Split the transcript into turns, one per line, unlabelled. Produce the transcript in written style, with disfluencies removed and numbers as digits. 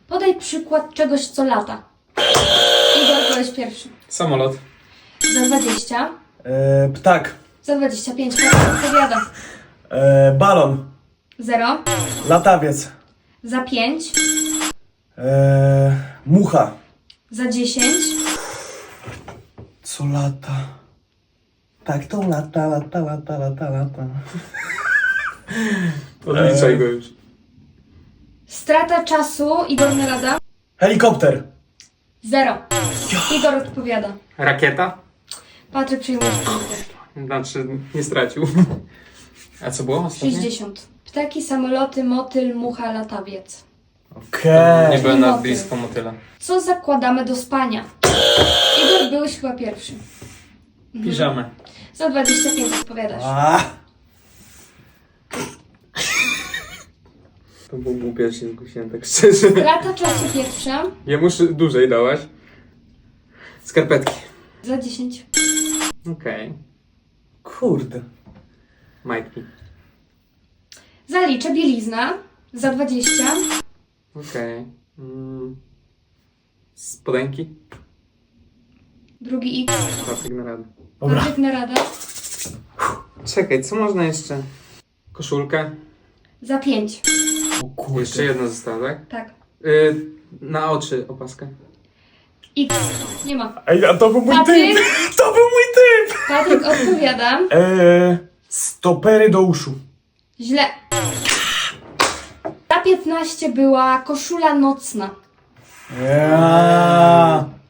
Podaj przykład czegoś, co lata. Igor, byłeś pierwszy.
Samolot.
Za 20.
Ptak.
Za 25. Patryk odpowiada.
Balon.
0.
Latawiec.
Za 5.
Mucha.
Za 10.
Co lata? Tak, to lata.
Odliczaj go już.
Strata czasu. Igor Narada.
Helikopter.
0. Igor odpowiada.
Rakieta?
Patryk przyjmuje punkty.
Znaczy, nie stracił. A co było ostatnie?
60. Ptaki, samoloty, motyl, mucha, latawiec.
Okej.
Nie byłem nawet
Motyl.
blisko motyla.
Co zakładamy do spania? Igor, byłeś chyba pierwszy.
Piżamę.
Za 25 odpowiadasz.
To było głupie, że się zgłosiłem, tak szczerze.
Strata czasu pierwsza.
Ja muszę dłużej dałaś. Skarpetki.
Za 10.
Okej.
Kurde.
Majtki.
Zaliczę bielizna. Za 20.
Okej. Spodenki.
Drugi X.
Patryk na radę.
Dobra.
Patryk Narada.
Czekaj, co można jeszcze? Koszulkę.
Za 5.
O kurde.
Jeszcze jedna została, tak?
Tak.
Na oczy opaskę.
X. Nie ma.
Ej, a to był mój
Patryk?
typ! To był mój typ!
Patryk odpowiada.
Stopery do uszu.
Źle. Za 15 była koszula nocna.
Ja.